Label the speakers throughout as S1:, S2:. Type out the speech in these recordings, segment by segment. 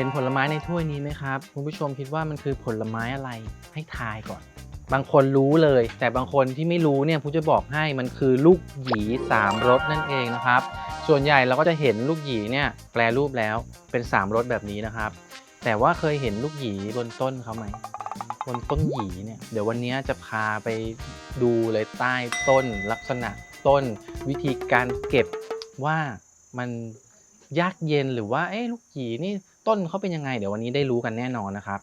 S1: ผลไม้ในถ้วยนี้ไหมครับคุณผู้ชมคิดว่ามันคือผลไม้อะไรให้ทายก่อนบางคนรู้เลยแต่บางคนที่ไม่รู้เนี่ยผมจะบอกให้มันคือลูกหยี3รสนั่นเองนะครับส่วนใหญ่เราก็จะเห็นลูกหยีเนี่ยแปรรูปแล้วเป็น3รสแบบนี้นะครับแต่ว่าเคยเห็นลูกหยีบนต้นเขาไหมบนต้นหยีเนี่ยเดี๋ยววันนี้จะพาไปดูเลยใต้ต้นลักษณะต้นวิธีการเก็บว่ามันยากเย็นหรือว่าลูกหยีนี่ต้นเขาเป็นยังไงเดี๋ยววันนี้ได้รู้กันแน่นอนนะครับ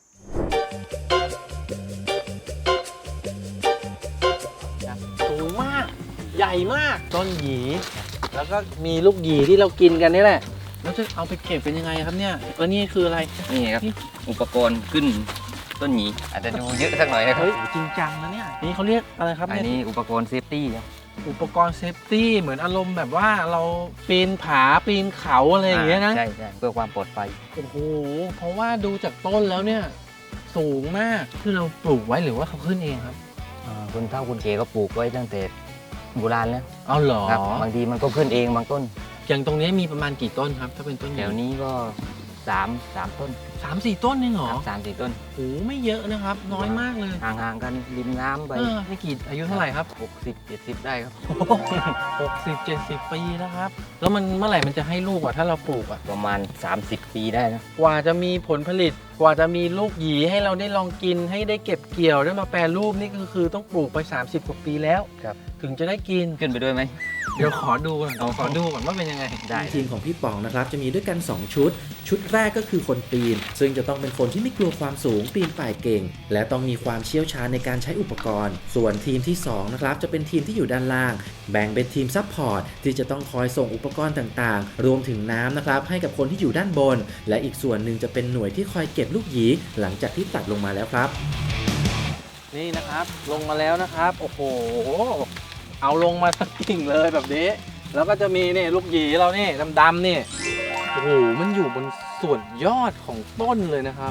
S1: สูงมากใหญ่มากต้นหยีแล้วก็มีลูกหยีที่เรากินกันนี่แหละแล้วจะเอาไปเก็บเป็นยังไงครับเนี่ยแล้วนี่คืออะไร
S2: นี่ครับอุปกรณ์ขึ้นต้นหยีอาจจะดูเยอะสักหน่อยนะครับ
S1: เฮ้ยจริงจังนะเนี่ยนี่เขาเรียกอะไรครับ
S2: อัน
S1: เนี่ย
S2: นี้อุปกรณ์เซฟตี้ครับ
S1: อุปกรณ์เซฟตี้เหมือนอารมณ์แบบว่าเราปีนผาปีนเขาอะไรอย่างเงี้ยนะ
S2: ใช่เพื่อความปลอดภัย
S1: โอ้โหเพราะว่าดูจากต้นแล้วเนี่ยสูงมากคือเราปลูกไว้หรือว่าเขาขึ้นเองครับ
S2: คุณเฒ่าคุณเก๋ก็ปลูกไว้ตั้งแต่โบราณแล้ว
S1: เอาเหรอ
S2: ครับบางทีมันก็ขึ้นเองบางต้น
S1: อย่างตรงนี้มีประมาณกี่ต้นครับถ้าเป็นต้น
S2: แถวนี้ก็3 ต้น
S1: 3-4 ต้นเองเหรอ
S2: ครับ3-4 ต้น
S1: โอ้โหไม่เยอะนะครับ น้อยมากเลย
S2: ห่างๆกันริมน้ำไป
S1: นี่กี่อายุเท่าไหร่ครับ
S2: 60-70 ได้ครับ
S1: 60-70 ปีนะครับ แล้วมันเมื่อไหร่มันจะให้ลูกอ่ะถ้าเราปลูกอ่ะ
S2: ประมาณ30 ปีได้นะ
S1: กว่าจะมีผลผลิตกว่าจะมีลูกหยีให้เราได้ลองกินให้ได้เก็บเกี่ยวได้มาแปรรูปนี่ก็คือต้องปลูกไป30 กว่าปีแล้ว
S2: ครับ
S1: ถึงจะได้กิน
S2: ขึ้นไปด้วยไหม
S1: เดี๋ยวขอดูก่อนขอดูก่อนว่าเป็นยังไง
S2: ได้
S3: ทีมของพี่ป๋องนะครับจะมีด้วยกัน 2 ชุด ชุดแรกก็คือคนปีน ซึ่งจะต้องเป็นคนที่ไม่กลัวความสูงปีนป่ายเก่ง และต้องมีความเชี่ยวชาญในการใช้อุปกรณ์ ส่วนทีมที่2นะครับจะเป็นทีมที่อยู่ด้านล่าง แบ่งเป็นทีมซัพพอร์ตที่จะต้องคอยส่งอุปกรณ์ต่างๆ รวมถึงน้ำนะครับให้กับคนที่อยู่ด้านบน และอีกส่วนหนึ่งจะเป็นหน่วยที่คอยเก็บลูกหยีหลังจากที่ตัดลงมาแล้วครับ
S1: นี่นะครับลงมาแล้วนะครับโอ้โหเอาลงมาสักกิ่งเลยแบบนี้ แล้วก็จะมีนี่ลูกหยีเรานี่ดำๆนี่โอ้โหมันอยู่บนส่วนยอดของต้นเลยนะครับ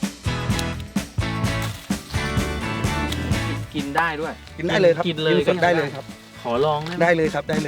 S1: กินได้ด้วย
S4: กินได้เลยครับ
S1: กินเลย
S4: สดได้เลยครับ
S1: ขอลองได้ไหม
S4: ได้เลยครับได้เลย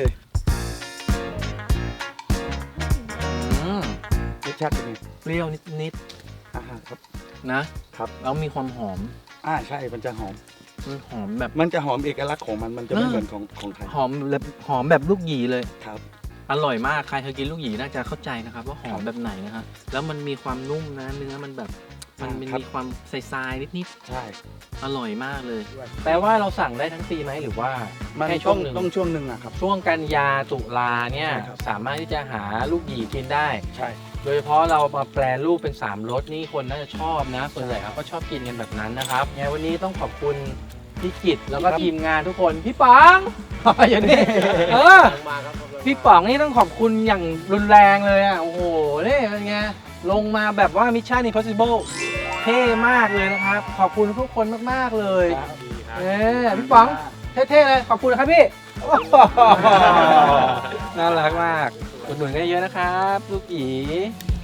S1: อืม
S4: รสชาติเป็นไง
S1: เปรี้ยวนิด
S4: ครับ
S1: ๆนะครับ แล้วมีความหอม
S4: ใช่มันจะหอม
S1: มันหอมแบบ
S4: มันจะหอมเอกลักษณ์ของมันจะไม่เหมือนของไทย
S1: หอมแบบลูกหยีเลย
S4: ครับ
S1: อร่อยมากใครเคยกินลูกหยีน่าจะเข้าใจนะครับว่าหอมแบบไหนนะฮะแล้วมันมีความนุ่มนะเนื้อมันแบบมัน
S4: ครับ
S1: มีความทรายๆนิด
S4: ใช่
S1: ๆอร่อยมากเลยแปลว่าเราสั่งได้ทั้งปีไหมหรือว่า
S4: มัน
S1: แค่ช่
S4: ต้
S1: ว
S4: อง ง
S1: หนึ่ง
S4: ต้องช่วงหนึ่งอะครับ
S1: ช่วงกันยาตุลาเนี่ย
S4: ใช่ครับ
S1: สามารถที่จะหาลูกหยีกินได้
S4: ใช่
S1: โดยเฉพาะเรามาแปรรูปเป็น3รสนี่คนน่าจะชอบนะส่วนใหญ่เขาก็ชอบกินกันแบบนั้นนะครับไงวันนี้ต้องขอบคุณพี่กิตแล้วก็ทีมงานทุกคนพี่ป๋อง อย่างนี้พี่ป๋องนี่ต้องขอบคุณอย่างรุนแรงเลยอ่ะโอ้โหนี่เป็นไงลงมาแบบว่า Mission Impossible เท่มากเลยนะครับ ขอบคุณทุกคนมากๆเลยพี่ป๋องเท่ๆเลยขอบคุณนะครับพี่ น่ารักมากอุดหนุนกันเยอะนะครับลูกหยี